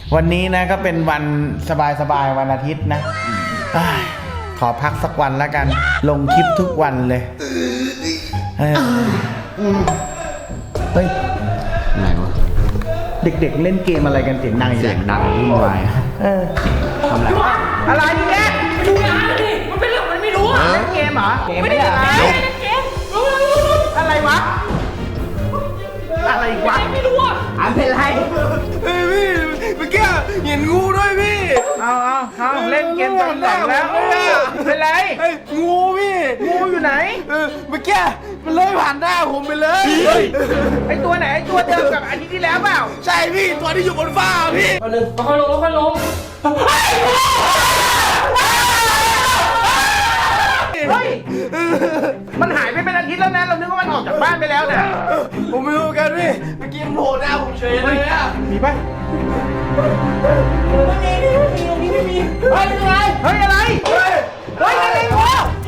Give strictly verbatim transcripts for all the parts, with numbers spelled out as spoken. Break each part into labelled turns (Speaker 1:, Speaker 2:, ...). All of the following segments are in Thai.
Speaker 1: วันนี้นะก็เป็นวันสบายๆวันอาทิตย์นะขอพักสักวันแล้วกันลงคลิปทุกวันเลยเฮ้ย
Speaker 2: ไหนวะ
Speaker 1: เด็กๆเล่นเกมอะไรกันเสียงดัง
Speaker 2: เสียงดังวุ่นวาย
Speaker 1: เออทำอะไรอะไรเนี่ย
Speaker 3: ดูนะดิมันเป็นเรื่องมันไม่รู้อ่ะ
Speaker 1: เล่นเกมเหรอเกมไม่ได้อะไร
Speaker 3: เกม
Speaker 1: อะไรวะอะไรวะ
Speaker 3: ไม่รู้อ่ะ
Speaker 1: อันเป็นไร
Speaker 4: เฮ้ยพี่เมื่อกี้เห็นงูด้วยพี่
Speaker 1: เอาเอาเอาเล่นเกมจนหลังแล้วเป็นไร
Speaker 4: เฮ้ยงูพี่
Speaker 1: งูอยู่ไหน
Speaker 4: เออเมื่อกี้มันเลยผ่านหน้าผมไปเลย
Speaker 1: ไอตัวไหนไอตัวเดิมกับอาทิตย์ที่แล้วเปล่า
Speaker 4: ใช่พี่ตัวที่อยู่บนฟ้าพี่
Speaker 3: ค่อยลงค่อยลงค่อยลง
Speaker 1: เฮ้ยมันหายไปเป็นอาทิตย์แล้วนะเรานึกว่ามันออกจากบ้านไปแล้วเนี่ย
Speaker 4: ผมไม่รู้กันพี่เมื่อกี้มันโผล่หน้าผมเฉยเลยอะ
Speaker 1: มีปะ
Speaker 3: ไม่มีไม่มีไม่มีเฮ้ยอะไร
Speaker 1: เฮ้ยอะไร
Speaker 4: เฮ้ย
Speaker 1: เฮ้ยอะไรงู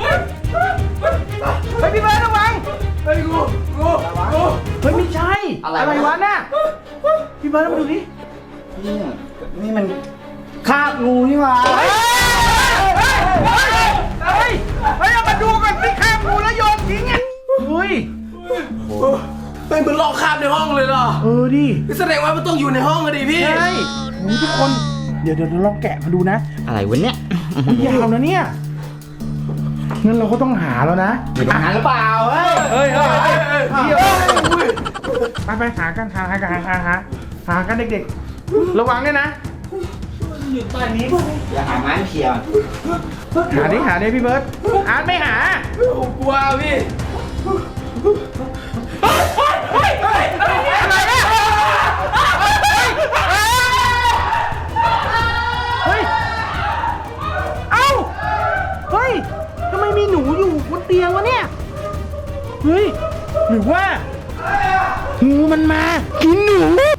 Speaker 1: เฮ้ยพี่เบิร์ดระวัง
Speaker 4: เฮ้ยงูงูงู
Speaker 1: เฮ้ยไม่ใช่อะไรวะน่ะพี่เบิร์ดมาดูดิ
Speaker 2: นี่นี่มันคาบงูนี่หว่า
Speaker 1: เฮ้ยเฮ้ยเฮ้ยเฮ้ยเอามาดูก่อนสิคาบงูแล้วโยนทิ้งอ่ะเฮ้ย
Speaker 4: เฮ้ยมันลอกคราบในห้องเลยเหรอ
Speaker 1: เออดิ
Speaker 4: แสดงว่ามันต้องอยู่ในห้องอะดิพี่
Speaker 1: ใช่โอ้ทุกคนเดี๋ยวเดี๋ยวลองแกะมาดูนะ
Speaker 2: อะไรวะเนี่ย
Speaker 1: ยาวนะเนี่ยงั้นเราก็ต้องหาแล้วนะ
Speaker 2: หาหรือเปล่าเฮ้ย
Speaker 1: เฮ้ยเฮ้ยเดี๋ยวไปไปหากันหาหาหาหาหาหากันเด็กๆระวังด้วยนะ
Speaker 3: อยู่ใต้นี้
Speaker 2: อย่าหาไม้เขี่ย
Speaker 1: หาดิหาดิพี่เบิร์ดอาร์ตไม่หา
Speaker 4: ผมกลัวพี่
Speaker 1: อะไรเนี่ยเฮ้ยเอ้าเฮ้ยทำไมมีหนูอยู่บนเตียงวะเนี่ยเฮ้ยหรือว่างูมันมากินหนู